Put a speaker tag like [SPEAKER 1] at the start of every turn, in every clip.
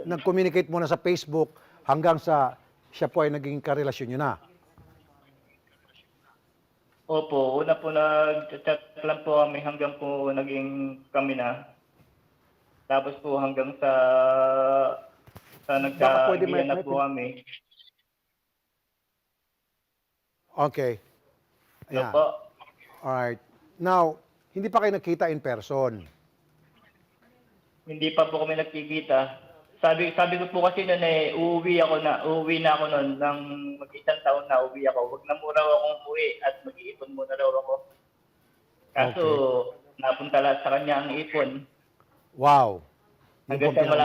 [SPEAKER 1] nag-communicate muna sa Facebook hanggang sa siya po ay naging karelasyon nyo na.
[SPEAKER 2] Opo, una po nag-chat lang po kami hanggang po naging kami na. Tapos po hanggang sa
[SPEAKER 1] Baka pwede
[SPEAKER 2] nagkaibigan na po kami.
[SPEAKER 1] Okay.
[SPEAKER 2] Ano
[SPEAKER 1] Ayan.
[SPEAKER 2] po?
[SPEAKER 1] Alright. Now, hindi pa kayo nakita in person.
[SPEAKER 2] Hindi pa po kami nagkikita. Sabi ko po kasi noon uuwi na ako noon ng mag-isang taon na uwi ako. Wag na muna akong umuwi at mag-iipon muna raw ako. Kaso napunta lahat sa kanya ang ipon.
[SPEAKER 1] Wow.
[SPEAKER 2] Hanggang sa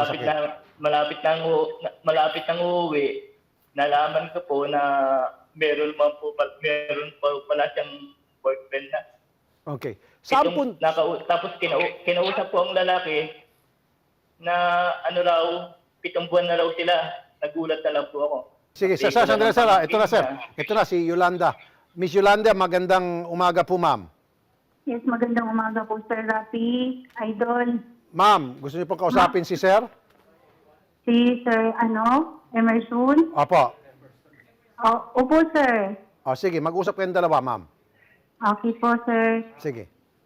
[SPEAKER 2] malapit nang uuwi, nalaman ko po na meron pa pala siyang boyfriend na.
[SPEAKER 1] Okay. Saan po?
[SPEAKER 2] Tapos kinausap po ang lalaki na ano raw, 7 buwan na raw sila. Nagulat na lang po ako.
[SPEAKER 1] Sige, sandali, sir. Ito na, sir. Ito na, si Yolanda. Miss Yolanda, magandang umaga po, ma'am.
[SPEAKER 3] Yes, magandang umaga po, Sir Rafi, Idol.
[SPEAKER 1] Ma'am, gusto niyo pong kausapin si sir?
[SPEAKER 3] Si Sir, Emerson.
[SPEAKER 1] Opo.
[SPEAKER 3] Opo, Sir.
[SPEAKER 1] O, sige, mag-usap kayong dalawa, ma'am.
[SPEAKER 3] Okay po, Sir.
[SPEAKER 1] Sige.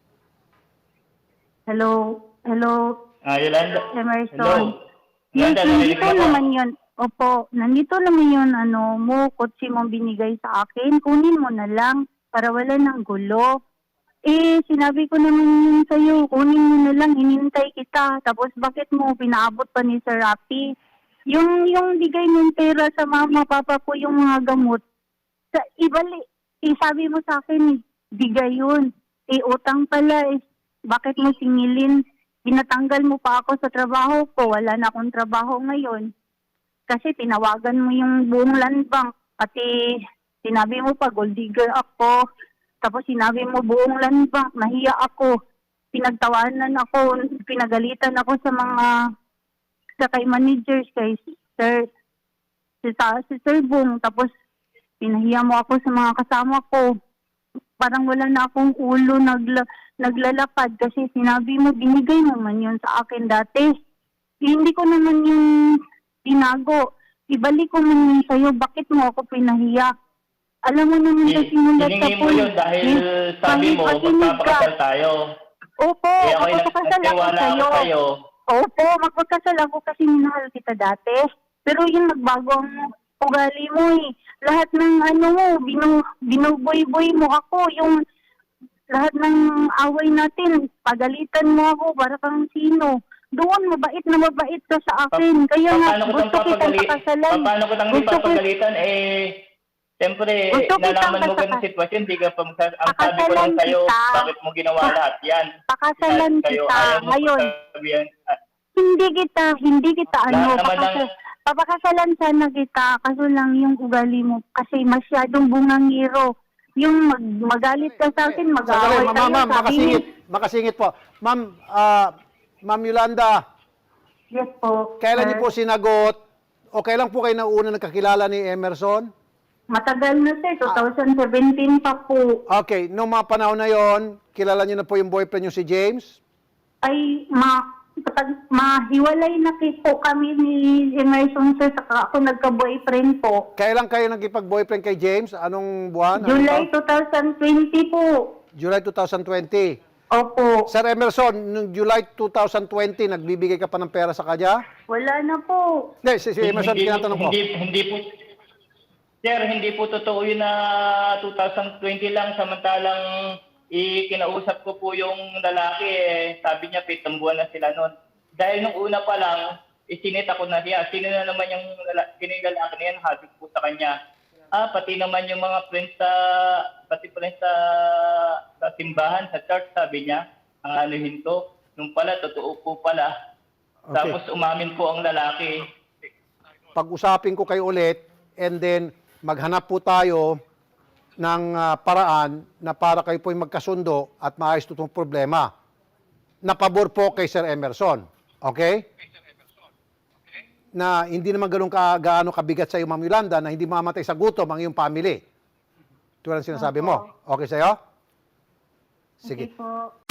[SPEAKER 3] Hello,
[SPEAKER 2] Yolanda.
[SPEAKER 3] Emerson.
[SPEAKER 2] Hello.
[SPEAKER 3] Yes,
[SPEAKER 2] Yolanda,
[SPEAKER 3] nandito
[SPEAKER 2] narinig mo?
[SPEAKER 3] naman yun. Opo, nandito naman yun, kotse mong binigay sa akin. Kunin mo na lang para wala ng gulo. Sinabi ko naman yun sa'yo, kunin mo na lang, hinintay kita. Tapos bakit mo pinaabot pa ni Sir Rafi? Yung bigay ng pera sa mama, papa ko, yung mga gamot. Sabi mo sa akin, bigay yun. Utang pala, bakit mo singilin? Pinatanggal mo pa ako sa trabaho ko, wala na akong trabaho ngayon. Kasi tinawagan mo yung buong land bank, pati sinabi mo pa, gold digger ako. Tapos sinabi mo buong land bank, nahiya ako. Pinagtawanan ako, pinagalitan ako sa kay managers, kay si Sir Bong. Tapos pinahiya mo ako sa mga kasama ko. Parang wala na akong ulo naglalapad kasi sinabi mo, binigay mo man yun sa akin dati. Hindi ko naman yung tinago. Ibalik ko man yun sa'yo, bakit mo ako pinahiya? Alam mo naman sa simulat sa
[SPEAKER 2] Hiningi mo yun dahil sabi mo, magpapakasal tayo.
[SPEAKER 3] Opo,
[SPEAKER 2] Kaya ako'y
[SPEAKER 3] magpapakasal ako
[SPEAKER 2] nagtiwala ako
[SPEAKER 3] sa'yo.
[SPEAKER 2] sa'yo.
[SPEAKER 3] Opo, magpapakasal ako kasi minahal kita dati. Pero yung nagbago ang ugali mo Lahat ng binuboy-boy mo ako. Yung lahat ng away natin, pagalitan mo ako para kang sino. Doon, mabait na mabait ka sa akin. Kaya nga, gusto kitang pakasalan.
[SPEAKER 2] Paano ko tang ipapagalitan? Siyempre, nalaman mo ganun sitwasyon, di ka pa ang sabi ko lang sa'yo, bakit mo ginawa lahat yan?
[SPEAKER 3] Pakasalan kita. Ngayon, hindi kita papakasalan sana kita, kaso lang yung ugali mo, kasi masyadong bungangiro. Yung magalit ka sa akin, mag-aaway tayo.
[SPEAKER 1] Ma'am, makasingit po. Ma'am Yolanda.
[SPEAKER 3] Yes po.
[SPEAKER 1] Kailan niyo po sinagot, o kailan po kayo nauna nagkakilala ni Emerson?
[SPEAKER 3] Matagal na sir, 2017 pa po.
[SPEAKER 1] Okay, noong mga panahon na yon, kilala niyo na po yung boyfriend niyo si James?
[SPEAKER 3] Ay, mahiwalay na po kami ni Emerson sir, saka ako nagka-boyfriend po.
[SPEAKER 1] Kailan kayo nagkipag-boyfriend kay James? Anong buwan?
[SPEAKER 3] July 2020 po.
[SPEAKER 1] July 2020.
[SPEAKER 3] Opo.
[SPEAKER 1] Sir Emerson, noong July 2020, nagbibigay ka pa ng pera sa kanya?
[SPEAKER 3] Wala na po.
[SPEAKER 1] Hindi, si Emerson, tinatanong ko.
[SPEAKER 2] Hindi po. Sir, hindi po totoo yun na 2020 lang, samantalang kinausap ko po yung lalaki, sabi niya 7 buwan na sila noon. Dahil nung una pa lang, isinita ko na siya. Sino na naman yung lalaki na yan, habit po sa kanya. Pati naman yung mga friends sa simbahan, sa church, sabi niya, ang anuhin to. Nung pala, totoo po pala.
[SPEAKER 1] Okay.
[SPEAKER 2] Tapos umamin po ang lalaki.
[SPEAKER 1] Pag-usapin ko kayo ulit, and then maghanap po tayo ng paraan na para kayo po'y magkasundo at maayos itong problema. Napabor po kay Sir Emerson. Okay? Na hindi naman gaano kabigat sa iyo, Ma'am Yolanda, na hindi mamatay sa gutom ang iyong family. Tulad ang sinasabi mo. Okay sa'yo? Sige.
[SPEAKER 3] Okay po.